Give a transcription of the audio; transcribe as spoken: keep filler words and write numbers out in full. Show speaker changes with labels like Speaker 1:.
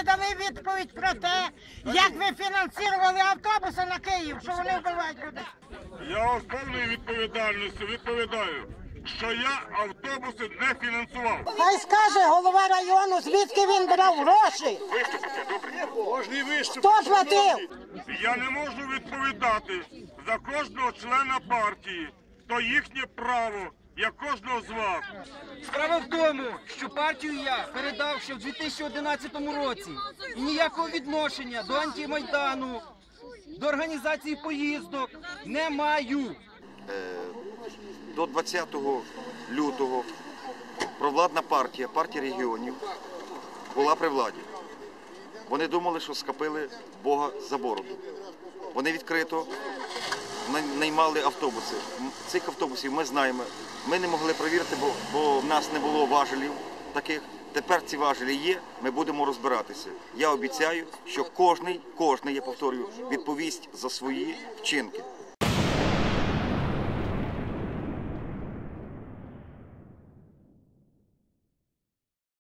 Speaker 1: не дали відповідь про те, як ви фінансували автобуси на Київ, що вони вбивають людей.
Speaker 2: Я вам з повною відповідальністю відповідаю, що я автобуси не фінансував.
Speaker 1: Хай скаже голова району, звідки він брав гроші. Хто платив?
Speaker 2: Я не можу відповідати за кожного члена партії. То їхнє право, як кожного з вас.
Speaker 3: Справа в тому, що партію я передав ще в дві тисячі одинадцятому році. І ніякого відношення до антимайдану, до організації поїздок не маю.
Speaker 4: До двадцятого лютого провладна партія, партія регіонів, була при владі. Вони думали, що схопили Бога за бороду. Вони відкрито наймали автобуси. Цих автобусів ми знаємо. Ми не могли перевірити, бо, бо в нас не було важелів таких. Тепер ці важелі є, ми будемо розбиратися. Я обіцяю, що кожний, кожний, я повторюю, відповість за свої вчинки.